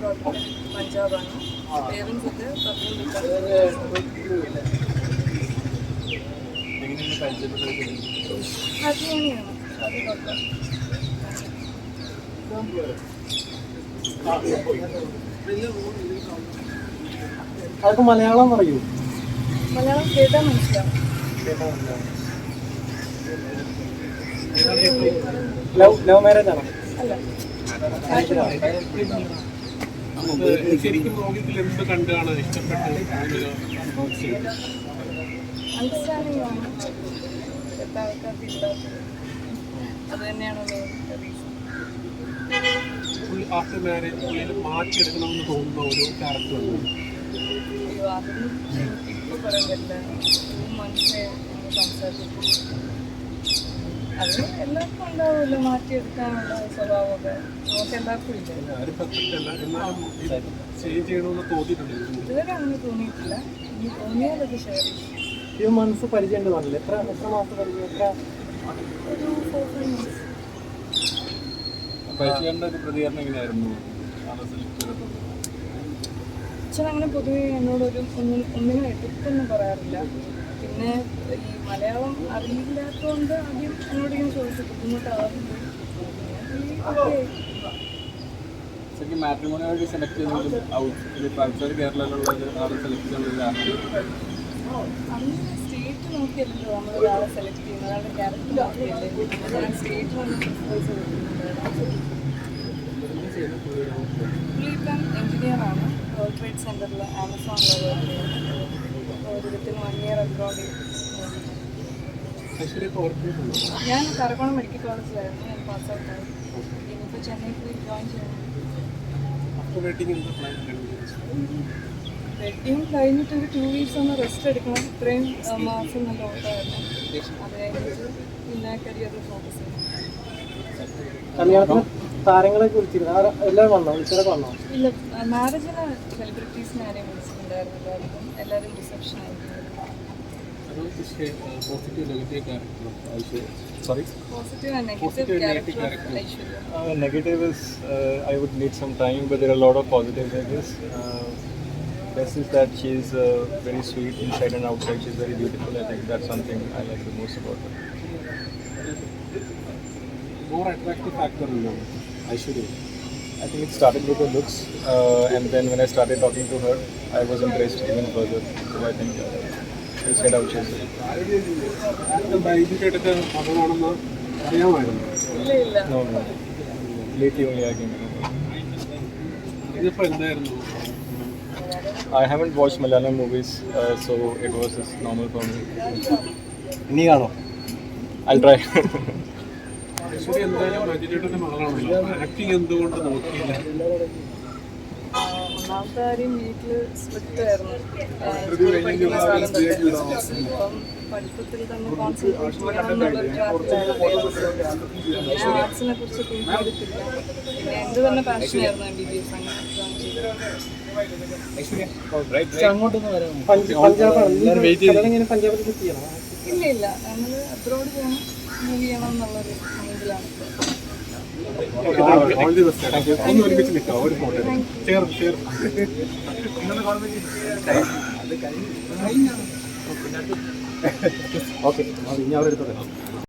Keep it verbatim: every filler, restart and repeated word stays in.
പഞ്ചാബാണ്. Parents ഒക്കെ ഹരിയാനയാണ്. അത് കുഴപ്പം. അതൊക്കെ മലയാളം പറയൂ. മലയാളം കേട്ടാൽ മനസ്സിലാവും. ലവ് ലവ് മാരേജ് ആണോ? അല്ല, ശരിക്കും ലോകത്തിൽ എന്ത് കണ്ടാണ് ഇഷ്ടപ്പെട്ട് അണ്ടർസ്റ്റാൻഡിംഗ് ആണ് എത്ര ആൾക്കാർക്ക് ഇല്ലാത്തത്. അത് തന്നെയാണ് മെയിൻ റീസൺ. ആഫ്റ്റർ മാരേജ് പുള്ളിയിൽ മാറ്റിയെടുക്കണമെന്ന് തോന്നുന്ന ഓരോ ക്യാരക്ടറുണ്ട്. അയ്യോ, അതൊന്നും ഇപ്പോൾ പറയാൻ പറ്റില്ല. ടു മന്ത്സേ സംസാരിച്ചിട്ട് അത് എല്ലാവർക്കും ഉണ്ടാവുമല്ലോ മാറ്റിയെടുക്കാനുള്ള സ്വഭാവമൊക്കെ. നമുക്ക് എല്ലാവർക്കും ഇല്ല. ഇതുവരെ അങ്ങനെ തോന്നിയിട്ടില്ല. ഇനി തോന്നിയാലത് ഷെയർ ചെയ്യും. ഫ്യൂ മന്ത്സ് പരിചയം ഉണ്ട് പറഞ്ഞില്ല. എത്ര എത്ര മാസം പരിചയം? എത്ര? ഒരു ഫോർ ഫൈവ് മന്ത്സ്. ഒരു പ്രതികരണം എങ്ങനെയായിരുന്നു? അച്ഛൻ അങ്ങനെ പൊതുവെ എന്നോടൊരു ഒന്നും ഒന്നിനും എതിർപ്പൊന്നും പറയാറില്ല. പിന്നെ ഈ മലയാളം അറിയില്ലാത്തതുകൊണ്ട് ആദ്യം എന്നോട് ഇങ്ങനെ ചോദിച്ചു ബുദ്ധിമുട്ടാവില്ല. ശരിക്കും മാട്രിമോണിയായിട്ട് സെലക്ട് ചെയ്തെങ്കിലും കേരളയിലുള്ള സെലക്ട് ചെയ്യുന്നത് അങ്ങനെ സ്റ്റേറ്റ് നോക്കിയല്ലോ നമ്മൾ ഒരാളെ സെലക്ട് ചെയ്യുന്നത്. ഒരാളുടെ ക്യാരക്ടർ നോക്കിയല്ലേ. ഞാൻ സ്റ്റേറ്റ് വന്ന് പ്രിഫേഴ്സ് കൊടുക്കുന്നുണ്ട്. പുള്ളി ഇപ്പം എൻജിനീയറാണ്. വേൾഡ് ട്രേഡ് സെൻറ്ററിൽ ആമസോണിൽ വർക്ക് ചെയ്യുന്നത്. ഒരു വിത്തിന് വൺ ഇയർ അബ്രോഡ്. ഞാൻ കറക്കോണം മെഡിക്കൽ കോളേജിലായിരുന്നു. ഞാൻ പാസ് ഔട്ടായി. ഇനിയിപ്പോൾ ചെന്നൈ പോയി ജോയിൻ ചെയ്യണം. വെഡിങ് കഴിഞ്ഞിട്ട് ഒരു ടു വീക്സ് ഒന്ന് റെസ്റ്റ് എടുക്കണം. ഇത്രയും മാസം നല്ല ഓട്ടമായിരുന്നു. അത് കഴിഞ്ഞിട്ട് പിന്നെ കരിയറിൽ ഫോക്കസ് ചെയ്യണം. കല്യാണത്തിന് താരങ്ങളെ കുറിച്ചിരുന്നു എല്ലാവരും വന്നോ? വിളിച്ചതൊക്കെ വന്നോ? ഇല്ല, മാരേജിന് സെലിബ്രിറ്റീസിനെ ആരെയും വിളിച്ചിട്ടുണ്ടായിരുന്നു. എല്ലാവർക്കും എല്ലാവരും റിസപ്ഷൻ ആയിരുന്നു. Sorry? Positive and negative character of Aishwarya. Uh, negative is uh, I would need some time, but there are a lot of positives, I guess. Uh, best is that she's uh, very sweet inside and outside. She's very beautiful. I think that's something I like the most about her. More attractive factor in Aishwarya. I think it started with her looks, uh, and then when I started talking to her, I was impressed even further. So I think uh, she said out she's ഇല്ല ഇല്ല no, no. Lately only I came to know. I haven't watched Malayalam movies, uh, so it was just normal for me. ഇനി കാണോ? I'll try. ഒന്നാമത്തെ കാര്യം വീട്ടിൽ strict ആയിരുന്നു. അപ്പം പഠിത്തത്തിൽ തന്നെ കോൺസെൻട്രേഷൻ ചെയ്യണമെന്നുള്ളൊരു ട്രാക്കിലായിരുന്നു. പിന്നെ ആർട്സിനെ കുറിച്ച് തിങ്ക് ചെയ്തിട്ടില്ല. പിന്നെ എൻ്റെ തന്നെ പാഷനായിരുന്നു എം ബി ബി എസ്. അങ്ങനെ ജോയിൻ ചെയ്തു. അങ്ങോട്ടൊന്ന് വരാമോ? പഞ്ചാബാണ്. പഞ്ചാബിൽ സെറ്റ് ചെയ്യണോ? ഇല്ല ഇല്ല, ഞങ്ങൾ അബ്രോഡ് പോകണം, മൂവ് ചെയ്യണം എന്നുള്ളൊരു മൈൻഡിലാണ്. ഓക്കെ, ഇനി അവിടെ എടുത്തോളാം.